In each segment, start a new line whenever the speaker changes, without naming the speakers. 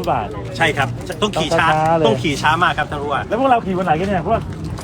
ฟุตบาท
ใช่ครับต้องขี่ช้าต้องขี่ช้ามากครับท่านผู้ว่า
แล้วพวกเราขี่วันไหนกันเนี่ยพวก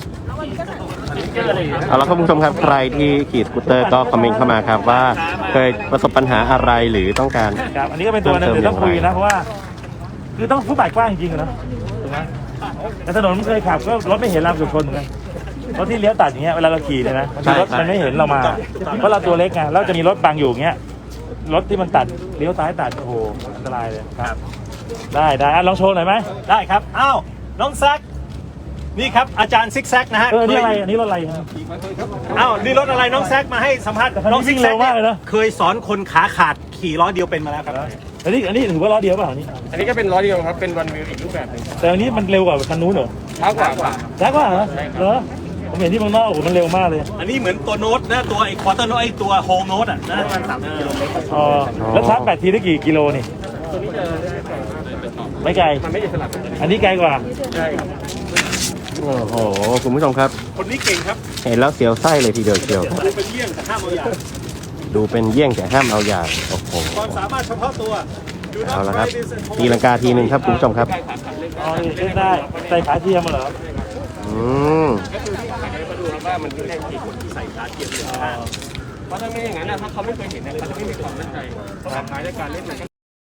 เอาละครับคุณผู้ชมครับใครที่ขี่สกูตเตอร์ก็คอมเมนต์เข้ามาครับว่าเคยประสบปัญหาอะไรหรือต้องการ
ครับอันนี้ก็เป็นตัวนึงที่ต้องคุยนะเพราะว่าคือต้องฟุตบาทกว้างจริงๆนะถูกไหมแต่ถนนเคยขับก็รถไม่เห็นเราเกือบชนเหมือนกันรถที่เลี้ยวตัดอย่างเงี้ยเวลาเราขี่เนี่ยนะรถมันไม่เห็นเรามาเพราะเราตัวเล็กไงแล้วจะมีรถบังอยู่เงี้ยรถที่มันตัดเลี้ยวซ้ายตัดโอ้โหอันตรายเลยครับได้ลองโชว์หน่อยไหม
ได้ครับอ้าวน้องแซกนี่ครับอาจารย์ซิกแซกนะฮะ
นี่อะไรอันนี้รถอะไร
อ้าวนี่รถอะไรน้องแซกมาให้สัมภาษณ์น้องซิกแซกเคยสอนคนขาขาดขี่ล้อเดียวเป็นมาแล้วครับ
อันนี้ถือว่าล้อเดียวเปล่า
อันนี้ก็เป็นล้อเดียวครับเป็นวันวิวอีกรูปแบบนึง
แต่อันนี้มันเร็วกว่าคันนู้นเหรอ
ช้ากว่า
เหรอผมเห็นที่เมืองนอกโอ้โหมันเร็วมากเลย
อันนี้เหมือนตัวโน้ตนะตัวไอ้ควอเตอร์โน้ตไอ้ตัวโฮมโน้ตอ่ะนะประมาณ30 กิโลเมตร
อ๋อแล้วชาร์จ8 ทีได้กี่กิโลนี่
ตัวนี้จะ
ไม่ไกล
มันไม่ได้สลับ
อันนี้ไกลกว่า
ใช่ครับ
โอ้โหคุณผู้ชมครับ
คนนี้เก่งครับ
เห็นแล้วเสียวไส้เลยทีเดียวเชียว
ดูเป็นเยี่ยงแต่ห้ามเอาอย่าง
ดูเป็นเยี่ยงแต่ห้ามเอาอย่างโอ้โห
ความสามารถเฉพาะตัว
เอาละครับตีลังกาทีหนึ่งครับคุณผู้ชมครับ
อ๋อเล่นได้ใส่ขาเทียมมาเหรอ
ก็คือที่ขายให้มาดูครับว่ามันคือแรงกี่คนที่ใส่ขาเทียมเลยเพราะถ้าไม่อย่างนั้นถ้าเขาไม่เคยเห็นเขาจะไม่มีความมั่นใจความหมายในการเล่นมัน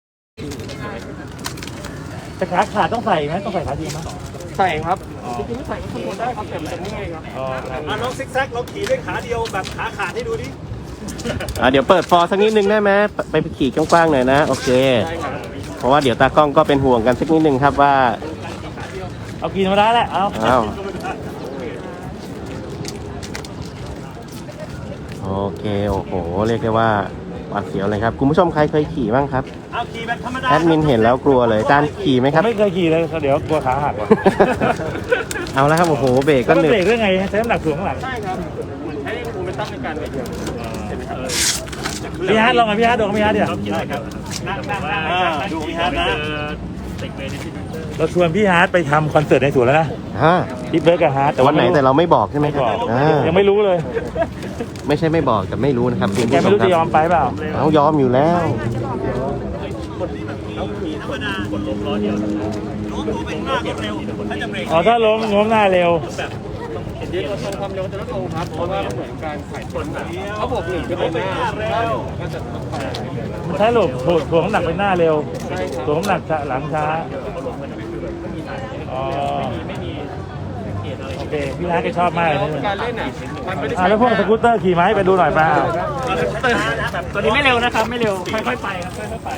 แต่ขาขาดต้องใส่ไหมต้องใส่ขาเทียมไหม
ใส่ครับจริงๆไม่ใส่ก็ทนได้ครับแต่มันไม่ไงครับ
น้องซิกแซกเราขี่ด้วยขาเดียวแบบขาขาดให้ดูดิ
เดี๋ยวเปิดฟอร์สักนิดนึงได้ไหมไปขี่กว้างๆหน่อยนะโอเคเพราะว่าเดี๋ยวตากล้องก็เป็นห่วงกันสักนิดนึงครับว่า
เอากินมาได้แหละเอา
โอเคโอ้โหเรียกได้ว่าหวาดเสียวเลยครับคุณผู้ชมใครเคยขี่บ้างครับ
ขี่แบบธรรมดา
แอดมินเห็นแล้วกลัวเลยการขี่ไหมครับ
ไม่เคยขี่เลยเดี๋ยวกลัวขาหักว่ะ
เอาแล้วครับโอ้โหเบรกก็เหนื่อย
เบรกได้ไงใช้น้ำหนักถ่วงข้างหลัง
ใช่ครับใช้โมเมนตัมในการเบรก
พี่ฮาร์ดลองกับพี่ฮาร์ดดูกับพี่ฮาร์ดเดี๋ยว
ดูพี่ฮาร์ดนะ
เราชวนพี่ฮาร์ดไปทำคอนเสิร์ตในสวนแล้วนะพี่เบิร์กกับฮาร์ด
แต่วันไหนแต่เราไม่บอกใช่ไหมครับ
ยังไม่รู้เลย
ไม่ใช่ไม่บอกแต่ไม่รู้นะครับ
แกไม่รู้จะยอมไปเปล่า
เอายอมอยู่แล้ว
ถ้าล้มโน้มหน้าเร็ว
เดี๋ยวเราทำความเร็วจะลดลงครับเพราะว่าเหมือนการขายคนเขาบอก1ก็เป็นหน้าก็จะ
มันใช้หลบถ่วงน้ำหนักไปหน้าเร็วถ่วงน้ำหนักหลังช้าโอเคพี่ฮาร์ดก็ชอบมากเลย
การเล่น
แล้วพวกสกูตเตอร์ขี่ไหมไปดูหน่อยป่ะ
ตัวนี้ไม่เร็วนะครับไม่เร็วค่อยๆไปครับค่อยๆไป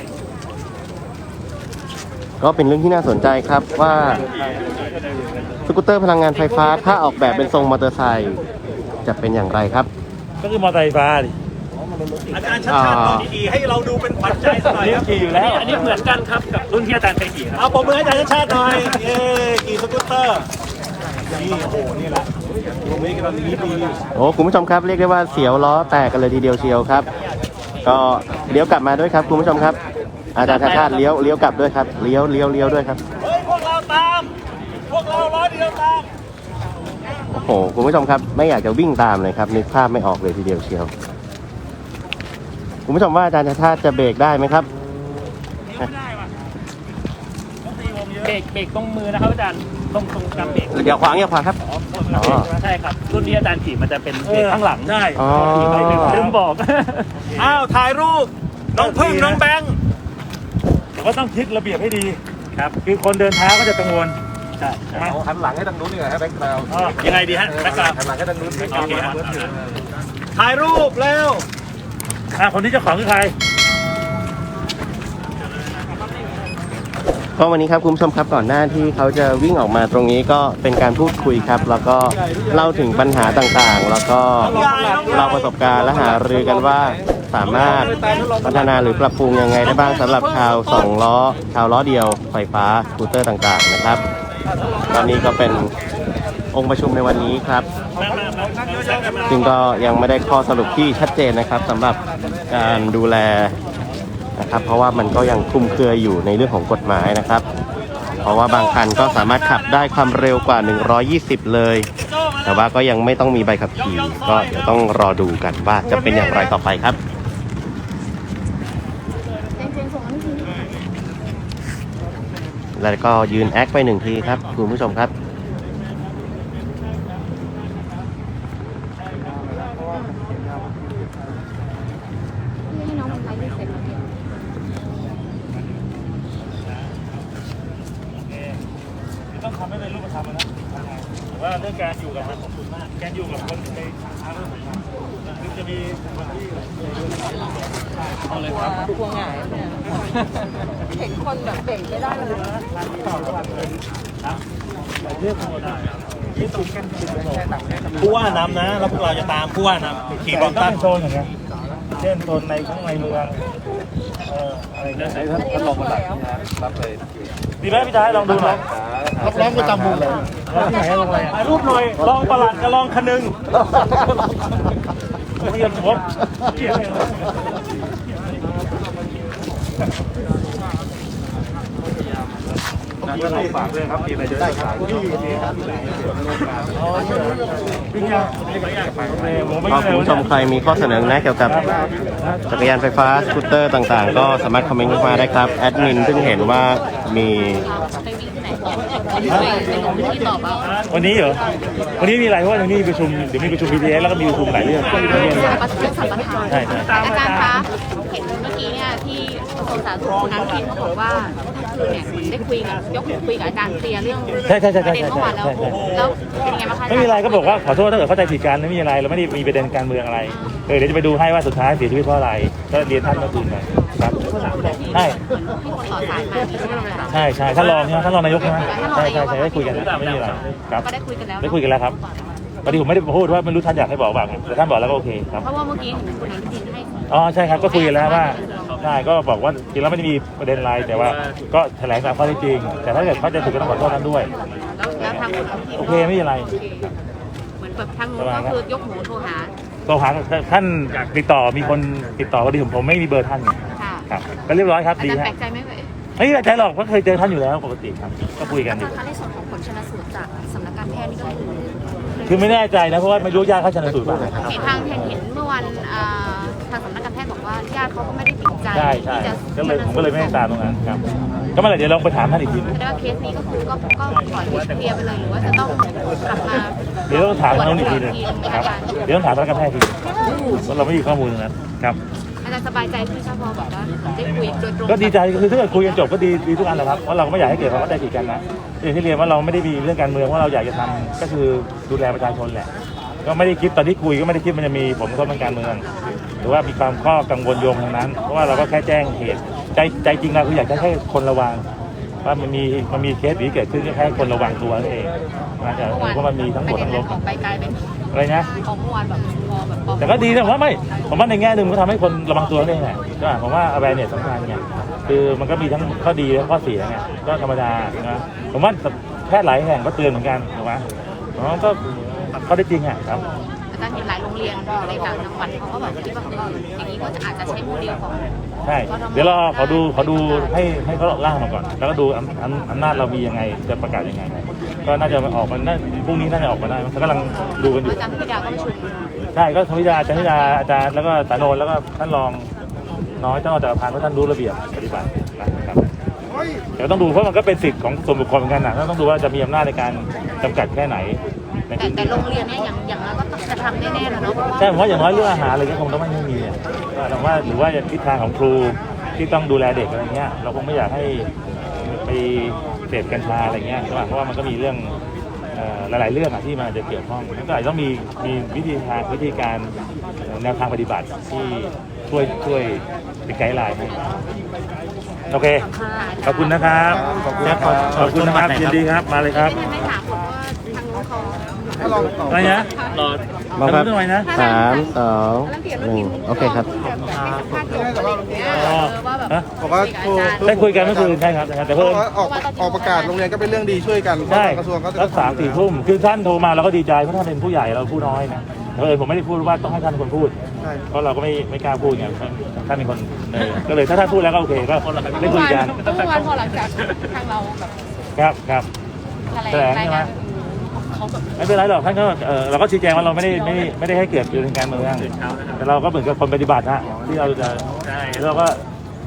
ก็เป็นเรื่องที่น่าสนใจครับว่าสกูตเตอร์พลังงานไฟฟ้าถ้าออกแบบเป็นทรงมอเตอร์ไซค์จะเป็นอย่างไรครับ
ก็คือมอเตอร์ไฟฟ้าดิ
อาจารย์ชัดชาติลองขี่ให้เราดูเป็นขวัญใจสักหน่อยครับ
ขี่อยู่แล้ว
อันนี้เหมือนกันครับกับรุ่นที่อาจารย์เคยขี่ครับ
เอาปมมืออาจารย์ชัดชาติหน่อยขี่สกูตเตอร์นี่โอ้โหนี่แหละตรงนี้กำลังนี้ดี
โอ้คุณผู้ชมครับเรียกได้ว่าเสียวล้อแตกกันเลยทีเดียวเชียวครับก็เลี้ยวกลับมาด้วยครับคุณผู้ชมครับอาจารย์ชัดชาติเลี้ยวกลับด้วยครับเลี้ยวด้วยครับ
เฮ้ยพวกเราตามพวกเราล้อเดียวตาม
โอ้โหคุณผู้ชมครับไม่อยากจะวิ่งตามเลยครับนึกภาพไม่ออกเลยทีเดียวเชียวคุณผู้ชมว่าอาจารย์ชัดชาติจะเบรกได้ไหมครับ
เบรกตรงมือนะครับอาจารย์ตรงกำเบรก
อย่าขวางครับ
ใช่ครับรุ่นที่อาจารย์ขี่มันจะเป็นเบรกข้างหลัง
ใช่
ลืมบอก
ถ่ายรูปน้องพึ่งน้องแบงค์
ก็ต้องคิดระเบียบให้ดีครับคือคนเดินเท้าก็จะกังวล
ใช่
หันหลังให้ทางนู้นนี่ไงให้แบ็คกราวด์
ยังไงดีฮะแบ็คกราวด์
หันหลังให้ทางนู้นโอเค
ถ่ายรูปแล้ว
คนที่เจ้าของคือใคร
ก็วันนี้ครับคุณผู้ชมครับก่อนหน้าที่เขาจะวิ่งออกมาตรงนี้ก็เป็นการพูดคุยครับแล้วก็เล่าถึงปัญหาต่างๆแล้วก็เราประสบการณ์และหารือกันว่าสามารถพัฒนาหรือปรับปรุงยังไงได้บ้างสำหรับชาว2 ล้อชาวล้อเดียวไฟฟ้าสกูตเตอร์ต่างๆนะครับตอนนี้ก็เป็นองค์ประชุมในวันนี้ครับซึ่งก็ยังไม่ได้ข้อสรุปที่ชัดเจนนะครับสำหรับการดูแลนะครับเพราะว่ามันก็ยังคลุมเครืออยู่ในเรื่องของกฎหมายนะครับเพราะว่าบางคันก็สามารถขับได้ความเร็วกว่า120เลยแต่ว่าก็ยังไม่ต้องมีใบขับขี่ก็เดี๋ยวต้องรอดูกันว่าจะเป็นอย่างไรต่อไปครับแล้วก็ยืนแอคไปหนึ่งทีครับคุณผู้ชมครับ
ให้น้องมันไลฟ์เสร็จแล้วเนี่ย
ต้องทำให้เป็นรูปธรรมนะแต่ว่าเรื่องการอยู่กับมันของคุณมากการอยู่กับคนในทางเรื่องของมันคือจะมีคนที่เอาเลยครับ
กลัวหงายเนี่ยเห็นคนแบบเบ่งไม่ได้เลย
เรื่องธรรมดาที่ตรงกัน
ผู้ว่านำนะแล้วพวกเราจะตามผู้ว่านำขี่บอล
ตั้
ตั้
ง
ง
โซนอย่างเงี้ยเช่นโซนในข้างในเมืองอะไรเงี้ยท่านลองมารับเลยดีไหมพี่ชายลองดูหน่อย
รับร้องประจำวงเลย
ที่ไหนลงอะไร
ถ่ายรูปหน่อยรองประหลัดกับรองคนึง
เรียนผมเกี่ยวฝากด้วยครับมีอะไรจะได้ครับ
ก็คุณผู้ชมใครมีข้อเสนอแนะเกี่ยวกับจักรยานไฟฟ้าสกูตเตอร์ต่างๆ ก็สามารถคอมเมนต์เข้ามาได้ครับแอดมินเพิ่งเห็นว่ามี
ไปวิ่งที่ไหนไปลงที่ตอบเอา
วันนี้เหรอวันนี้มีอะไรเพราะว่าวันนี้มีประชุมเดี๋ยวมีประชุม BTS แล้วก็มีประชุมหลายเรื่อง
สัมปทาน
ใช่ใช่
อาจารย์คะเห็นเมื่อกี้เนี่ยที่กระทรวงสาธารณสุขคุณอนุทินเขาบอกว่าคือเนี่ยเหมือนได้คุยกับยกหูคุยกับอาจารย์เคลียร์เรื่องประเด็นเมื่อวานแล้วแล้วเป็นยังไงบ้างคะ
ไม่มีอะไรก็บอกว่าขอโทษถ้าเกิดเข้าใจผิดกันไม่มีอะไรเราไม่ได้มีประเด็นการเมืองอะไรเดี๋ยวจะไปดูให้ว่าสุดท้ายเสียชีวิตเพราะอะไรก็เรียนท่านเมื่อคืนไปครับใช่
ให้คนต่อสายมาใช่ไหมคะ
ใช่ใช่ท่านรองใช่ไหมท่านรองนายกใช่ไหมใช่ใช่ใช่ได้คุยกันไม่มีอะไรครับ
ก็ได้คุยกันแล้ว
ได้คุยกันแล้วครับพอดีผมไม่ได้พูดว่าไม่รู้ท่านอยากให้บอกบ้างแต่ท่านบอกแล้วก็โอเคครับ
เพราะว่าเมื่อกี้เห็นคุณอนุทินให้
อ๋อใช่ครับก็คุยกันแล้วว่าใช่ก็บอกว่าจริงแล้วไม่ได้มีประเด็นอะไรแต่ว่าก็แถลงตามข้อเท็จจริงแต่ถ้าเกิดเข้าใจผิดก็ต้องขอโทษท่านด้วย
แล้วทางคุณอนุทิน
โอเคไม่มีอะไร
เหมือนแบบทางนู้นก็คือยกหูโทรหา
โทรหาท่านติดต่อมีคนติดต่อพอดีผมไม่มีเบอร์ท่าน
ค่ะ
ครับก็เรียบร้อยครับ
อา
ดี
จารย์
ฮะ
แปลกใจไหม
ไม่แปลกใจหรอกเพราะเคยเจอท่านอยู่แล้วปกติครับก็คุยกันอยู่
ในส่วนของผลชนสูตรจากสำนักการแพทย์นี่ก็คือ
คือไม่แน่ใจนะเพราะว่าไม่รู้ญาติเขาชันสูตรป่ะ
เห็นทางเห็นเมื่อวันทางสำนักการแพทย์บอกว่าญาติเขาก็ไม่ได้ติดใจ
ใช่ใช่
ที่จะ
ก็เลยผมก็เลยไม่ได้ตามตรงนั้นครับก็เมื่อไหร่เดี๋ยวลองไปถามท่านอีกทีนึง
แสดงว่าเคสนี้ก็คือก็ปล่อยให้เคลียร์ไปเลยหรือว่าจะต้องกลับมา
เดี๋ยวต้องถามทางนู้นอีกทีนึงครับเดี๋ยวต้องถามทางการแพทย์ทีนึงเพราะเราไม่มีข้อมูลตรงนั้นครับ
อาจารย์สบายใจที่ชาพอบอกว่าได้คุยโดยตรง
ก็ดีใจคือถ้าเกิดคุยกันจบก็ดีทุกอันแหละครับเพราะเราก็ไม่อยากให้เกิดความเข้าใจผิดกันนะอย่างที่เรียนว่าเราไม่ได้มีเรื่องการเมืองว่าเราอยากจะทำก็คือดูแลประชาชนแหละก็ไม่ได้คิดตอนที่คุยก็ไม่ได้คิดมันจะมีผลกระทบทางการเมืองหรือว่ามีความข้อกังวลโยงทางนั้นเพราะว่าเราก็แค่แจ้งเหตุใจจริงเราคืออยากจะให้คนระวังว่ามันมีเคสนี้เกิดขึ้นก็แค่คนระวังตัวนั่นเองนะแต่เพราะมันมีทั้งหมดทั้งลบ
ออกไปกลายเป็น
อะไรนะ
ของเมื่อวานแบบพอแบบ
แต่ก็ดีนะผมว่าไม่ผมว่าในแง่หนึ่งมันก็ทำให้คนระวังตัวได้แหละก็ผมว่า awareness สำคัญไงคือมันก็มีทั้งข้อดีและข้อเสียไงก็ธรรมดานะผมว่าแพทย์หลายแห่งก็เตือนเหมือนกันถูกไหมก็ข้อได้จริงอ่ะครับ
อาจารย์เห็นหลายโรงเรียนในต่างจังหวัดเขาก็แบบคิดว่าอย่างนี้ก็อาจจะใช้โมเดลของ
ใช่เดี๋ยวเราขอดูให้เขาล่างมาก่อน แล้วก็ดูอำนาจเรามียังไงจะประกาศยังไงก็น่าจะออกมาพรุ่งนี้น่าจะออกมาได้เขากำลังดูกันอยู่
อาจารย์พิดาก็ประชุม
ใช่ก็ธรรมดาอาจารย์แล้วก็สาโนนแล้วก็ท่านรองน้อยท่านรองจักรพันธ์เพราะท่านรู้ระเบียบปฏิบัตินะครับเดี๋ยวต้องดูเพราะมันก็เป็นสิทธิ์ของส่วนบุคคลเหมือนกันนะต้องดูว่าจะมีอำนาจในการจำกัดแค่ไหนในพื้น
แต่
ที่
โรงเรียนเนี่ยอย่างน้อยก็ต้องจะทำแน่ๆแล้วเนาะเพราะว่า
ใช่ผมว่าอย่างน้อยเรื่องอาหารอะไรก็คงต้องไม่มีอ่ะแต่ว่าหรือว่าทิศทางของครูที่ต้องดูแลเด็กอะไรเงี้ยเราคงไม่อยากให้ไปเสพกัญชาอะไรเงี้ยเพราะว่ามันก็มีเรื่องหลายๆเรื่องอ่ะที่มันจะเกี่ยวข้องมันก็อาจจะต้องมีวิธีการแนวทางปฏิบัติที่ช่วยเป็นไกด์ไลน์ให้โอเคขอบคุณนะครับขอบคุณนะครับยินดีครับมาเลยครับ
ไม่ถามผมว่าทางนู้นเขา
อะไรนะรอ
มาครับ
ทำไมนะ
3 2 1โอเคครับ
ค่าจบอะไรอย่างเงี้ยว่าแบบ
บอกว่าครู
ได้คุยกันเมื่อคืนใช่ครับแต่เพิ่ม
ออกประกาศโรงเรียนก็เป็นเรื่องดีช่วยกัน
ใช่
กระทรวงก็จะ
รัก3-4 ทุ่มคือท่านโทรมาเราก็ดีใจเพราะท่านเป็นผู้ใหญ่เราผู้น้อยนะผมไม่ได้พูดว่าต้องให้ท่านเป็นคนพูด
ใช่
เพราะเราก็ไม่กล้าพูดไงท่านเป็นคนก็เลยถ้าท่านพูดแล้วก็โอเคก็ได้คุยกัน
เมื่อวานพอหลังจากทางเราแบบ
ครับ แถลงใช่ไหม
เขาแบบ
ไม่เป็นไรหรอกท่านก็เราก็ชี้แจงว่าเราไม่ได้ให้เกิดเรื่องการเมืองแต่เราก็เหมือนกับคนปฏิบัติฮะที่เราจะเราก็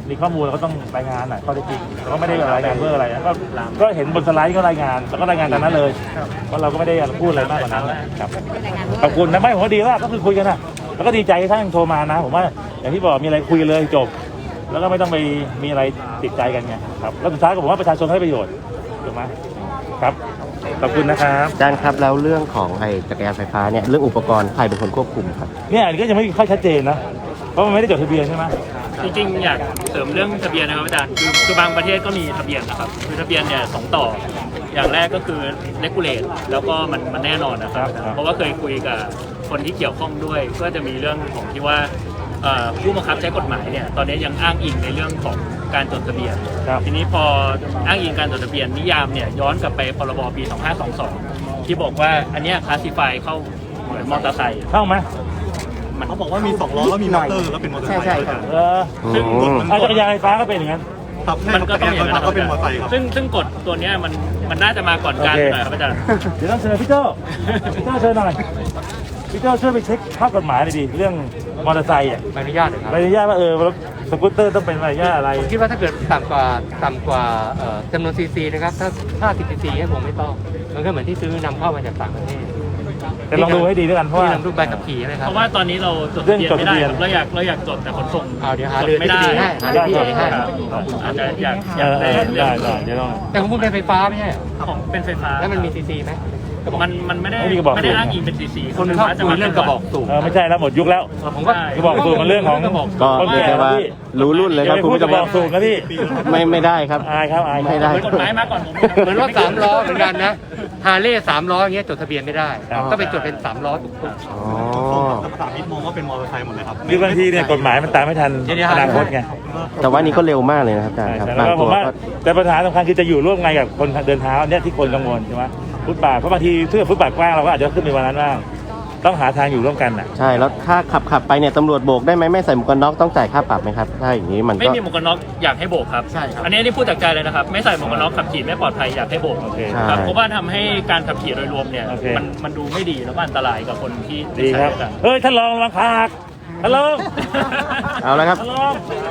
มีข้อมูลเราก็ต้องรายงานหน่อยข้อเท็จจริงแต่ก็ไม่ได้รายงานเพื่ออะไรนะก็เห็นบนสไลด์ก็รายงานแล้วก็รายงานตามนั้นเลยเพราะเราก็ไม่ได้พูดอะไรมากกว่านั้นนะครับขอบคุณนะไม่ผมว่าดีว่าก็คือคุยกันนะแล้วก็ดีใจที่ท่านโทรมานะผมว่าอย่างที่บอกมีอะไรคุยเลยจบแล้วก็ไม่ต้องไปมีอะไรติดใจกันไงครับแล้วสุดท้ายก็ผมว่าประชาชนให้ประโยชน์ถูกไหมครับขอบคุณนะครับ
อาจารย์ครับแล้วเรื่องของไอ้จักรยานไฟฟ้าเนี่ยเรื่องอุปกรณ์ใครเป็นคนควบคุมครับ
เนี่ยอันนี้ก็ยังไม่ค่อยชัดเจนนะเพราะมันไม่ได้จดทะเบียนใช่ไหม
จริงๆอยากเสริมเรื่องทะเบียนนะครับอาจารย์คือบางประเทศก็มีทะเบียนนะครับคือทะเบียนเนี่ย2 ต่ออย่างแรกก็คือ regulate แล้วก็มันแน่นอนนะครับเพราะว่าเคยคุยกับคนที่เกี่ยวข้องด้วยก็จะมีเรื่องของที่ว่าผู้บังคับใช้กฎหมายเนี่ยตอนนี้ยังอ้างอิงในเรื่องของการจดทะเบียนทีนี้พออ้างอิงการจดทะเบียนนิยามเนี่ยย้อนกลับไปพรบปี 2522 ที่บอกว่าอันเนี้ยคลาสสิฟายเข้าเหมือนมอเตอร์ไซค์
เข้าไหม
เขาบอกว่ามี2 ล้อแล้วมีมอเตอร์แล้วเป็นมอเตอร์ไซค์
ใช่ครับ
ซึ่ง
จักรยานไฟฟ้าก็เป็นอย่างนั้น
ครับ
มันก็ต้องอย่างนั้น
ก็เป็นมอเตอร์ไซค์ครับ
ซึ่งกฎตัวเนี้ยมันน่าจะมาก่อนการ
โอเค
หน่อยครับอาจารย์
เดี๋ยวต้องเชิญพี่โจ้เชิญหน่อยพี่โจ้ช่วยไปเช็คข้อกฎหมายหน่อยดิเรื่องมอเตอร์ไซค์อ่ะ
ใบอนุญาตเลยครับ
ใบอนุญาตว่ารถสกูตเตอร์ต้องเป็นใบอนุญาตอะไร
ผมคิดว่าถ้าเกิดต่ำกว่าจำนวนซีซีนะครับถ้า50ซีซีให้ผมไม่ต้องมันก็เหมือนที่ซื้อนำเข้ามาจากต่างประเทศ
แต่ลองดูให้ดีด้วยกันเพราะว่า
ที่นำรูปใบขับขี่ใช่ไหมครั
เพ
บ
ราะว่าตอนนี้เราจดทะเบียนไม่ได้ครับเราอยากจดแต่ขนส่ง
เอาเดี๋ยวหาเรือ
ไม่ได้
ที่ดีให้หาเรือที่ดีให้
ครับอาจจะอยาก
เอ
ได้
อได้เดี๋ยวลอง
แต่ของคุณเป็นไฟฟ้าไม่ใช่เหรอ
ของเป็นไฟฟ้า
แล้วมันมีซีซีไหม
มันไม่ได้
ไม่มีกระบอก
ไม่ได้
สูบ
อ้างอิงเป็นซีซี
คนชอบคุยเรื่องกระบอกสูบ
ไม่ใช่แล้วหมดยุคแล้ว
ผมก็
กระบอกสูบมันเรื่องของ
ก็เรียกได้ว่ารู้รุ่นเลยครับ
คุณกระบอกสูบนะพี่
ไม่ได้ครับ
อายครับอายครับ
ไม่ได้
กฎหมายมาก่อนผม
เหมือนรถ3 ล้อเหมือนกันนะฮาร์เลย์3 ล้ออย่างเงี้ยจดทะเบียนไม่ได้
ครับ
ก็ไปจดเป็น3 ล้อถูก
อ๋อ
สามมิตรมองว่าเป็นมอเตอร์ไซค์หมดเลยครับ
คือบางทีเนี่ยกฎหมายมันตามไม่ทันอนาคตไง
แต่ว่านี่ก็เร็วมากเลยนะครับอาจารย์ครับ
แล้ว
บาง
ก็ผ
ตั
ม
ว
ว่า
ก็
แต่ปัญหาสำคัญคือจะอยู่ร่วมไงกับคนเดินเท้าเนี่ยที่คนกังวลใช่ไหมฟุตบาทเพราะบางทีเพื่อฟุตบาทกว้างเราก็อาจจะขึ้นไปวันนั้นบ้างต้องหาทางอยู่ร่วมกันน่ะ
ใช่แล้วถ้าขับไปเนี่ยตำรวจโบกได้ไหมไม่ใส่หมวกกันน็อกต้องจ่ายค่าปรับไหมครับถ้าอย่างนี้มัน
ไม่
ก็
มีหมวกกันน็อกอยากให้โบกครับ อันนี้พูดจากใจเลยนะครับไม่ใส่หมวกกันน็อกขับขี่ไม่ปลอดภัยอยากให้โบก
โอเค
ครับเพราะว่าทำให้การขับขี่โดยรวมเนี่ย
โอเค
มันดูไม่ดีแล้วก็อันตรายกับคนที่
ดีครับ
ใช้
เฮ้ยท่านรองระวังขาหักท่านรอง
เอาละครับ
ท่านรอง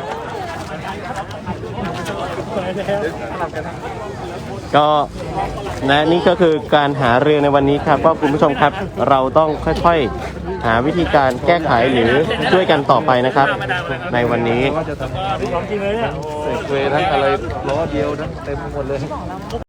ก็และนี่ก็คือการหาเรือในวันนี้ครับก็คุณผู้ชมครับเราต้องค่อยๆหาวิธีการแก้ไขหรือช่วยกันต่อไปนะครับ ในวันนี้
ของจริงเลยเนี่ย
เวทั้งอะไรล้อเดียวนะเต็มไปหมดเลย